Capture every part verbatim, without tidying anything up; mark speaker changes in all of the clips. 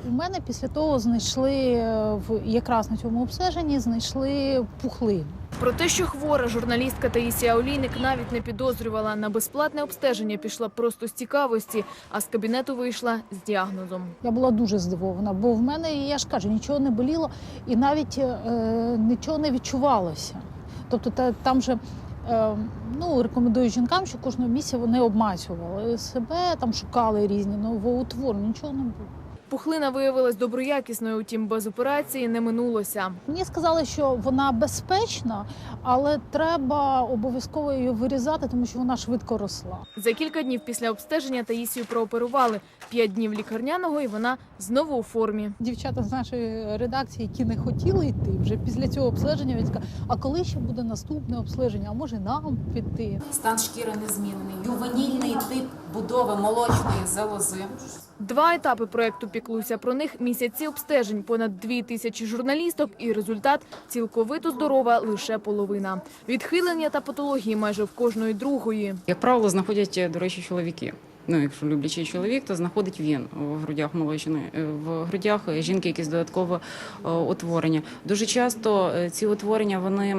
Speaker 1: У мене після того знайшли, в якраз на цьому обстеженні, знайшли пухлину.
Speaker 2: Про те, що хвора журналістка Таїсія Олійник навіть не підозрювала. На безплатне обстеження пішла просто з цікавості, а з кабінету вийшла з діагнозом.
Speaker 1: Я була дуже здивована, бо в мене, я ж кажу, нічого не боліло і навіть е, нічого не відчувалося. Тобто та, там же е, ну, рекомендую жінкам, що кожного місяця вони обмацювали себе, там шукали різні новоутворення, нічого не було.
Speaker 2: Пухлина виявилась доброякісною, утім без операції не минулося.
Speaker 1: Мені сказали, що вона безпечна, але треба обов'язково її вирізати, тому що вона швидко росла.
Speaker 2: За кілька днів після обстеження Таїсію прооперували. П'ять днів лікарняного і вона знову у формі.
Speaker 1: Дівчата з нашої редакції, які не хотіли йти, вже після цього обстеження, він сказав, а коли ще буде наступне обстеження, а може нам піти?
Speaker 3: Стан шкіри незмінний, ювенільний тип будови молочної залози.
Speaker 2: Два етапи проєкту «Піклуйся про них», місяці обстежень, понад дві тисячі журналісток і результат – цілковито здорова лише половина. Відхилення та патології майже в кожної другої.
Speaker 4: Як правило, знаходять, до речі, чоловіки. Ну, якщо люблячий чоловік, то знаходить він в грудях молочної, в грудях жінки якісь додаткове утворення. Дуже часто ці утворення, вони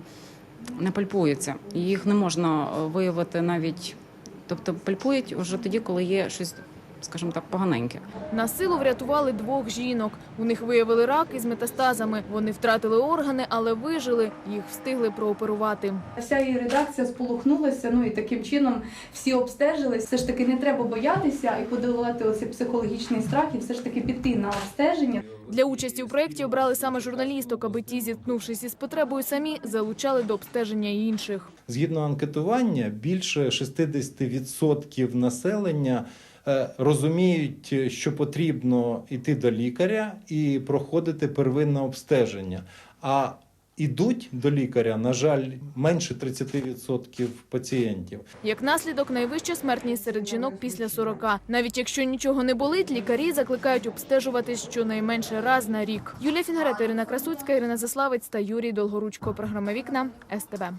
Speaker 4: не пальпуються. Їх не можна виявити навіть, тобто пальпують вже тоді, коли є щось, скажімо так, поганеньке.
Speaker 2: На силу врятували двох жінок. У них виявили рак із метастазами. Вони втратили органи, але вижили. Їх встигли прооперувати.
Speaker 5: Вся її редакція сполохнулася, ну і таким чином всі обстежились. Все ж таки не треба боятися і подолати оцей психологічний страх, і все ж таки піти на обстеження.
Speaker 2: Для участі у проєкті обрали саме журналісток, аби ті, зіткнувшись із потребою самі, залучали до обстеження й інших.
Speaker 6: Згідно анкетування, більше шістдесят відсотків населення розуміють, що потрібно йти до лікаря і проходити первинне обстеження. А ідуть до лікаря, на жаль, менше тридцять відсотків пацієнтів.
Speaker 2: Як наслідок, найвища смертність серед жінок після сорока. Навіть якщо нічого не болить, лікарі закликають обстежуватись щонайменше раз на рік. Юлія Фінгарета, Ірина Красуцька, Ірина Заславець та Юрій Долгоручко. Програма «Вікна», ес те бе.